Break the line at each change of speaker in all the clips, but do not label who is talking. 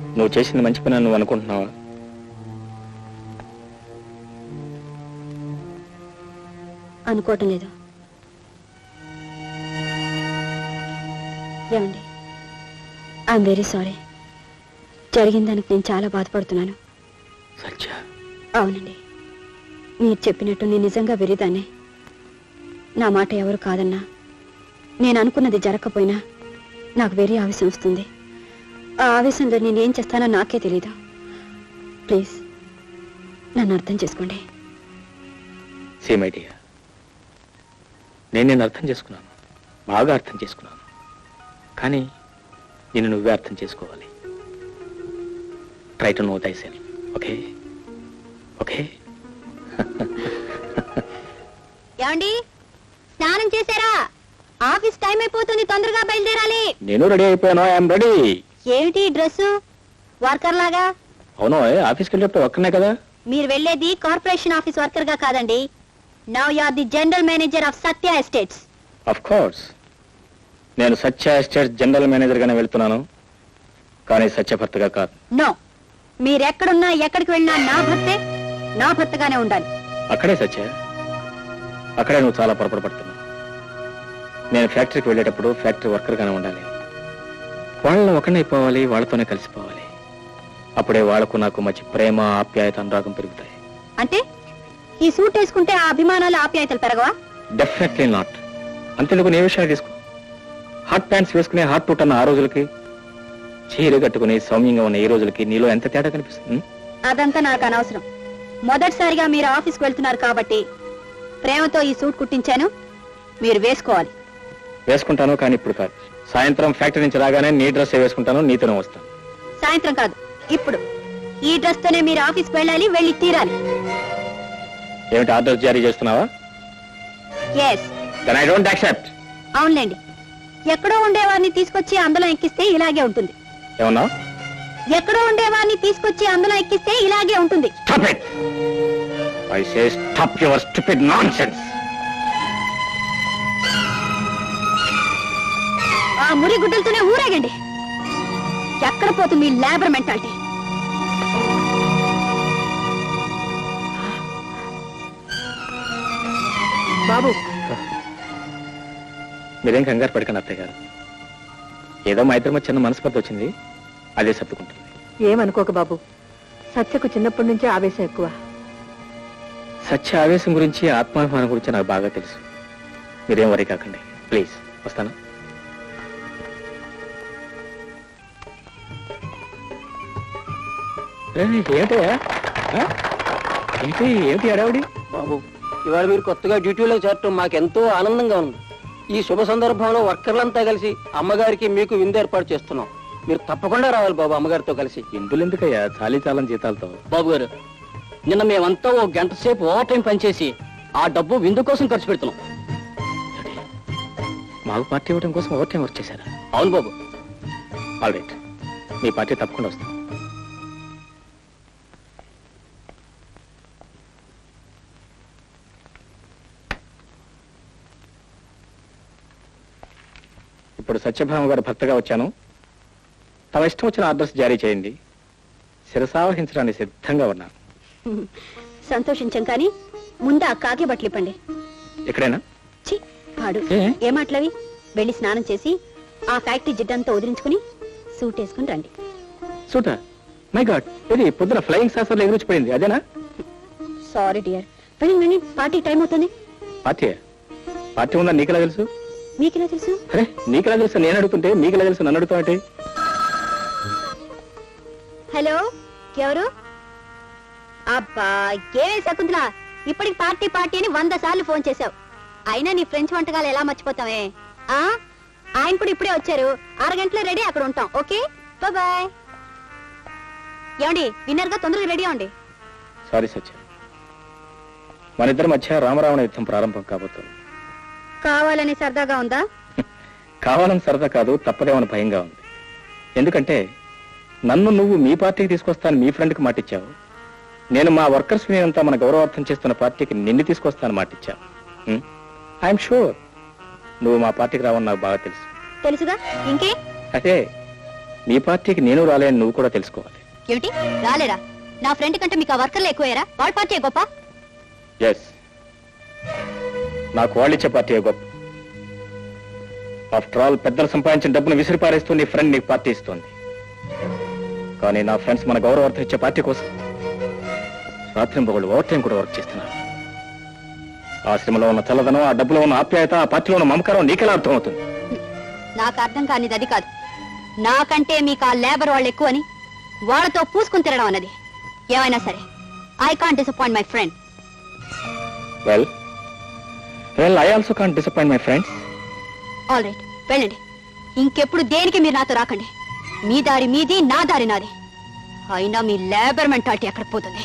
నువ్వు చేసింది మంచి పని నువ్వు అనుకుంటున్నావా?
అనుకోవటం లేదు. ఏమండి, ఐఎమ్ వెరీ సారీ. జరిగిన దానికి నేను చాలా బాధపడుతున్నాను.
సత్య,
అవునండి, మీరు చెప్పినట్టు నేను నిజంగా వెరిదాన్నే. నా మాట ఎవరు కాదన్నా, నేను అనుకున్నది జరగకపోయినా నాకు వెరీ ఆవేశం వస్తుంది. ఆ ఆవేశంలో నేనేం చేస్తానో నాకే తెలీదు. ప్లీజ్ నన్ను అర్థం చేసుకోండి.
సేమైడియా, నేను అర్థం చేసుకున్నాను, బాగా అర్థం చేసుకున్నాను. కానీ నిన్ను నువ్వే అర్థం చేసుకోవాలి. Try to know thyself. Okay okay.
ఏమండి, స్నానం చేశారా? ఆఫీస్ టైం అయిపోతుంది, తొందరగా బయలుదేరాలి.
నేను రెడీ అయిపోయాను. I'm ready.
ఏమిటి డ్రెస్ వర్కర్ లాగా?
అవును, ఆఫీస్కి వెళ్ళేప్పుడు ఒక్కనే కదా.
మీరు వెళ్ళేది కార్పొరేషన్ ఆఫీస్ వర్కర్ గా కాదండి. Now you are the general manager of Satya estates.
Of course, నేను సత్య ఎస్టేట్స్ జనరల్ మేనేజర్ గానే వెళ్తున్నాను, కానీ సత్య భర్తగా కాదు.
నో, మీరెక్కడున్నా ఎక్కడికి వెళ్ళినా నా భర్తే, నా భర్తగానే ఉండాలి.
అక్కడే సత్య, అక్కడే నువ్వు చాలా పొరపాటు పడుతున్నావు. నేను ఫ్యాక్టరీకి వెళ్ళేటప్పుడు ఫ్యాక్టరీ వర్కర్ గానే ఉండాలి. వాళ్ళని ఒకనైపోవాలి, వాళ్ళతోనే కలిసిపోవాలి. అప్పుడే వాళ్లకు నాకు మంచి ప్రేమ, ఆప్యాయత, అనురాగం పెరుగుతాయి.
అంటే ఈ సూట్ వేసుకుంటే ఆ అభిమానాలు, ఆప్యాయతలు పెరగవా?
Definitely not. అంతేందుకు నీ విషయాన్ని తీసుకో. హాట్ ప్యాంట్స్ వేసుకునే హాట్ పుట్ అన్న ఆ రోజులకి, చీర కట్టుకుని సౌమ్యంగా ఉన్న ఈ రోజులకి నీలో ఎంత తేడా కనిపిస్తుంది?
అదంతా నాకు అనవసరం. మొదటిసారిగా మీరు ఆఫీస్కి వెళ్తున్నారు కాబట్టి ప్రేమతో ఈ సూట్ కుట్టించాను, మీరు వేసుకోవాలి.
వేసుకుంటాను, కానీ ఇప్పుడు కాదు. సాయంత్రం ఫ్యాక్టరీ నుంచి రాగానే నీ డ్రెస్ వేసుకుంటాను, నీతోనే వస్తాను.
సాయంత్రం కాదు, ఇప్పుడు. ఈ డ్రెస్ తోనే మీరు ఆఫీస్కి వెళ్ళాలి, వెళ్ళి తీరాలి.
ఏమిటి ఆర్డర్ జారీ చేస్తున్నావా?
yes.
Then I don't accept.
అవునులేండి, ఎక్కడో ఉండేవారిని తీసుకొచ్చి అందులో ఎక్కిస్తే ఇలాగే ఉంటుంది.
ఏమన్నా?
ఎక్కడో ఉండేవారిని తీసుకొచ్చి అందులో ఎక్కిస్తే ఇలాగే ఉంటుంది.
Stop it! I say stop your stupid nonsense.
ఆ మురి గుడ్డలతోనే ఊరేగండి. ఎక్కడ పోతుంది మీ లేబర్ మెంటాలిటీ? బాబు,
మీరేం కంగారు పడకండి అత్తయ్య గారు. ఏదో మా ఇద్దరి మధ్య చిన్న మనస్పర్ధ వచ్చింది, అదే సర్దుకుంటుంది.
ఏమనుకోక బాబు, సత్యకు చిన్నప్పటి నుంచే ఆవేశం ఎక్కువ.
సత్య ఆవేశం గురించి, ఆత్మాభిమానం గురించి నాకు బాగా తెలుసు. మీరేం వరీ కాకండి ప్లీజ్. వస్తాను. ఏమిటయ్యా, ఏమిటి అడావిడి?
బాబు, ఇవాళ మీరు కొత్తగా డ్యూటీలో చేరటం మాకెంతో ఆనందంగా ఉంది. ఈ శుభ సందర్భంలో వర్కర్లంతా కలిసి అమ్మగారికి మీకు విందు ఏర్పాటు చేస్తున్నాం. మీరు తప్పకుండా రావాలి బాబు అమ్మగారితో కలిసి.
ఇందులు ఎందుకయ్యా, చాలీ చాలని జీతాలతో.
బాబు గారు, నిన్న మేమంతా ఓ గంట సేపు ఓవర్ టైం పనిచేసి ఆ డబ్బు విందు కోసం ఖర్చు పెడుతున్నాం.
మాకు పార్టీ ఇవ్వడం కోసం ఓవర్ టైం వర్క్ చేశారా?
అవును బాబు.
ఆల్ రైట్, మీ పార్టీ తప్పకుండా వస్తాం. ఇప్పుడు సత్యభామ గారు భర్తగా వచ్చాను. తమ ఇష్టం వచ్చిన ఆర్డర్స్ జారీ చేయండి. శిరసావహించడానికి సిద్ధంగా ఉన్నాను.
సంతోషించాం, కానీ ముందు ఆ కాకి బట్టలు ఇప్పండి.
ఎక్కడైనా
పాడు ఏ మాటలవి? వెళ్ళి స్నానం చేసి ఆ ఫ్యాక్టరీ జిడ్డంతా వదిలించుకుని సూట్ వేసుకుని రండి.
సూటా? మై గాడ్, ఇది పొద్దున ఫ్లయింగ్ సాసర్లో ఎగురిచిపోయింది అదేనా?
సారీ డియర్, వెళ్ళి పార్టీ టైం అవుతుంది.
పార్టీ? పార్టీ ఉందా నీకెలా తెలుసు?
మీకెలా తెలుసు?
అరే నీకెలా తెలుసు నేను అడుగుతుంటే, మీకెలా తెలుసు నన్ను అడుగుతావంటే?
హలో, ఎవరు? అబ్బా, ఏమే శకుంతల, ఇప్పటికి పార్టీ పార్టీ అని 100 సార్లు ఫోన్ చేశావు. అయినా నీ ఫ్రెంచ్ వంటకాలు ఎలా మర్చిపోతావే? ఆయన కూడా ఇప్పుడే వచ్చారు, అరగంటలో రెడీ, అక్కడ ఉంటాం. Okay, bye. ఏమండి, విన్నర్ గా తొందరగా రెడీ అవ్వండి.
సారీ సత్య, మన ఇద్దరి మధ్య రామరావణ యుద్ధం ప్రారంభం కాబోతుంది.
కావాలని సరదాగా ఉందా?
కావాలని సరదా కాదు, తప్పదేమని భయంగా ఉంది. ఎందుకంటే నన్ను నువ్వు మీ పార్టీకి తీసుకొస్తాను మీ ఫ్రెండ్కి మాటిచ్చావు. నేను మా వర్కర్స్ అంతా మన గౌరవార్థం చేస్తున్న పార్టీకి నిన్ను తీసుకొస్తాను మాటిచ్చావు. ఐఎమ్ షూర్ నువ్వు మా పార్టీకి రావని నాకు బాగా తెలుసు.
తెలుసుగా, ఇంకే?
అదే నీ పార్టీకి నేను రాలేని నువ్వు కూడా తెలుసుకోవాలి.
ఏమిటి రాలేరా? నా ఫ్రెండ్ కంటే మీకు ఆ వర్కర్లు ఎక్కువయ్యారా? వాళ్ళ పార్టీ గొప్ప?
ఎస్, నాకు వాళ్ళిచ్చే పార్టీ గొప్ప. ఆఫ్టర్ ఆల్ పెద్దలు సంపాదించిన డబ్బును విసిరిపారేస్తూ నీ ఫ్రెండ్ నీకు పార్టీ ఇస్తుంది. కానీ నా ఫ్రెండ్స్ మన గౌరవార్థం ఇచ్చే పార్టీ కోసం రాత్రి పొగళ్ళు ఓవర్ టైం కూడా వర్క్ చేస్తున్నారు. ఆ శ్రమలో ఉన్న చల్లదనం, ఆ డబ్బులో ఉన్న ఆప్యాయత, ఆ పార్టీలో ఉన్న మమకారం నీకెలా అర్థం అవుతుంది?
నాకు అర్థం కానిది అది కాదు. నాకంటే మీకు ఆ లేబర్ వాళ్ళు ఎక్కువని వాళ్ళతో పూసుకుని తిరగడం అన్నది. ఏమైనా సరే I can't disappoint my friend.
Well I also can't disappoint my friends.
All right, వెళ్ళండి. ఇంకెప్పుడు దేనికి మీరు నాతో రాకండి. మీ దారి మీది, నా దారి నాది. అయినా మీ లేబర్ మెంటాలిటీ ఎక్కడ పోతుంది?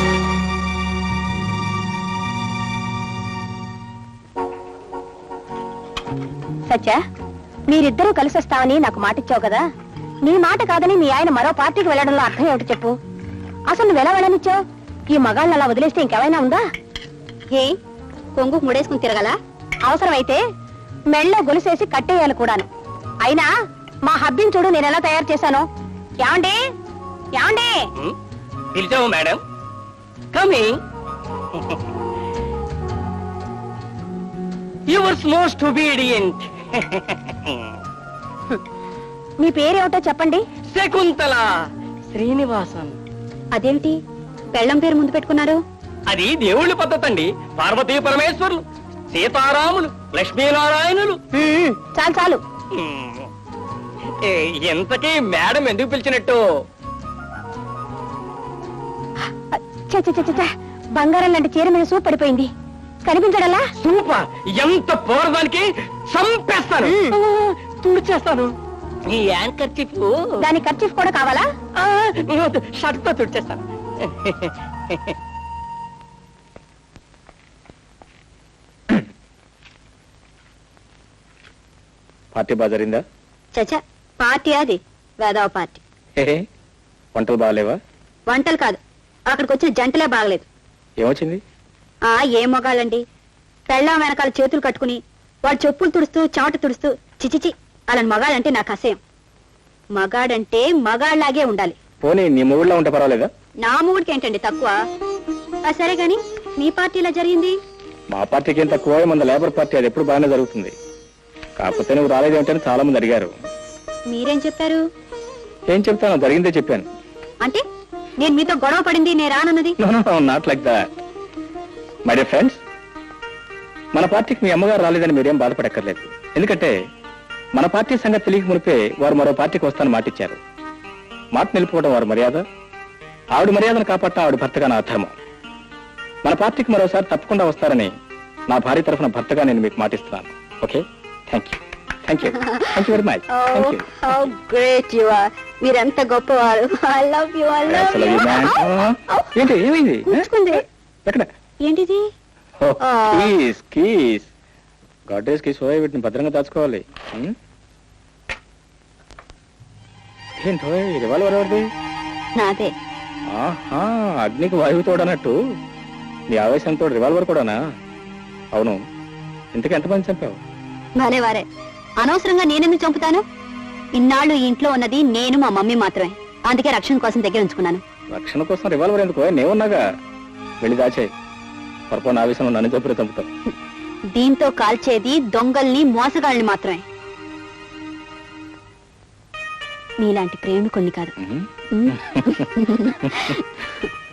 సత్య, మీరిద్దరూ కలిసి వస్తామని నాకు మాట ఇచ్చావు కదా. నీ మాట కాదని మీ ఆయన మరో పార్టీకి వెళ్ళడంలో అర్థం ఏమిటి చెప్పు? అసలు నువ్వెలా వెళ్ళనిచ్చావు? ఈ మగాళ్ళని అలా వదిలేస్తే ఇంకేమైనా ఉందా?
ఏ కొంగు ముడేసుకుని తిరగలా?
అవసరమైతే మెళ్ళో గొలుసేసి కట్టేయాలి కూడాను. అయినా మా హబ్బిని చూడు నేను ఎలా తయారు చేశాను. ఏమండి ఏమండి?
పిలిచావు madam? Coming. Yours most obedient.
మీ పేరేమిటో చెప్పండి.
శకుంతల శ్రీనివాసన్.
అదేమిటి పెళ్ళం పేరు ముందు పెట్టుకున్నారు?
అది దేవుళ్ళ పద్ధతి అండి. పార్వతీ పరమేశ్వరులు, సీతారాములు, లక్ష్మీనారాయణులు.
చాలు చాలు.
ఎంతకీ మేడం ఎందుకు పిలిచినట్టు?
ఛ, ఛ, ఛ, ఛ, ఛ. బంగారం లాంటి చీర మీద సూప్ పడిపోయింది. కనిపించడలా?
సూపర్. ఎంత పోరదానికి చంపేస్తాను, తుడిచేస్తాను. ఈ యాంకర్ చిప్
దాని ఖర్చు కూడా కావాలా?
షర్ట్ తో తుడిచేస్తాను.
పార్టీ బాగా జరిగిందా?
చచ్చా, పార్టీ అది వేదవ పార్టీ.
హే, వంటలు బాగాలేవా?
వంటలు కాదు, అక్కడికి వచ్చిన జంటలే బాగలేదు.
ఏమొచ్చింది?
ఏం మొగాళ్ళండి, పెళ్ళాం వెనకాల చేతులు కట్టుకుని వాళ్ళు చెప్పులు తుడుస్తూ చెమట తుడుస్తూ చిచిచి. అలాంటి మగాళ్ళంటే నాకు అసహ్యం. మగాడంటే మగాళ్ళలాగే ఉండాలి.
పోనీ నీ మూడులో ఉంటే పర్వాలేదా?
నా మూడికి ఏంటండి తక్కువ? సరే గాని మీ పార్టీలో జరిగింది?
మా పార్టీకి ఏం తక్కువ, మన లేబర్ పార్టీ అది ఎప్పుడు బాగానే జరుగుతుంది. కాకపోతే నువ్వు రాలేదేమిటని చాలా మంది అడిగారు.
మీరేం చెప్పారు?
ఏం చెప్తాను, జరిగిందే చెప్పాను.
అంటే నేను మీతో గొడవ పడింది నేను రానన్నది?
Not like that my dear friends. మన పార్టీకి మీ అమ్మగారు రాలేదని మీరేం బాధపడక్కర్లేదు. ఎందుకంటే మన పార్టీ సంగతి తెలియక మునిపే వారు మరో పార్టీకి వస్తానని మాటిచ్చారు. మాట నిలుపుకోవడం వారి మర్యాద. ఆవిడ మర్యాదను కాపాడటం ఆవిడ భర్తగా నా ధర్మం. మన పార్టీకి మరోసారి తప్పకుండా వస్తారని నా భార్య తరఫున భర్తగా నేను మీకు మాటిస్తున్నాను. Okay, thank you very much.
Great you are. మీరెంత గొప్పవారు. I love you.
ఏంటి, ఏమైంది? ఎక్కడ?
ఏంటిది?
కీస్ గాడ్రేజ్ కీస్ వీటిని భద్రంగా దాచుకోవాలి. ఏంటో రివాల్వర్ ఎవరిది?
నాదే.
ఆహా, అగ్నికి వాయువు తోడనట్టు నీ ఆవేశంతో రివాల్వర్ కూడానా? అవును, ఇంతకు ఎంతమంది చంపావు?
భలే వారే. అనవసరంగా నేనెందుకు చంపుతాను? ఇన్నాళ్ళు ఈ ఇంట్లో ఉన్నది నేను మా మమ్మీ మాత్రమే. అందుకే రక్షణ కోసం దగ్గర ఉంచుకున్నాను.
రక్షణ కోసం రివాల్వర్ ఎందుకు? నేనున్నాగా, వెళ్ళి దాచేయి. పొరపాటు ఆవేశంలో నన్ను చంపుతావు.
దీంతో కాల్చేది దొంగల్ని, మోసగాళ్ళని మాత్రమే. నీలాంటి ప్రేమికుణ్ణి కాదు.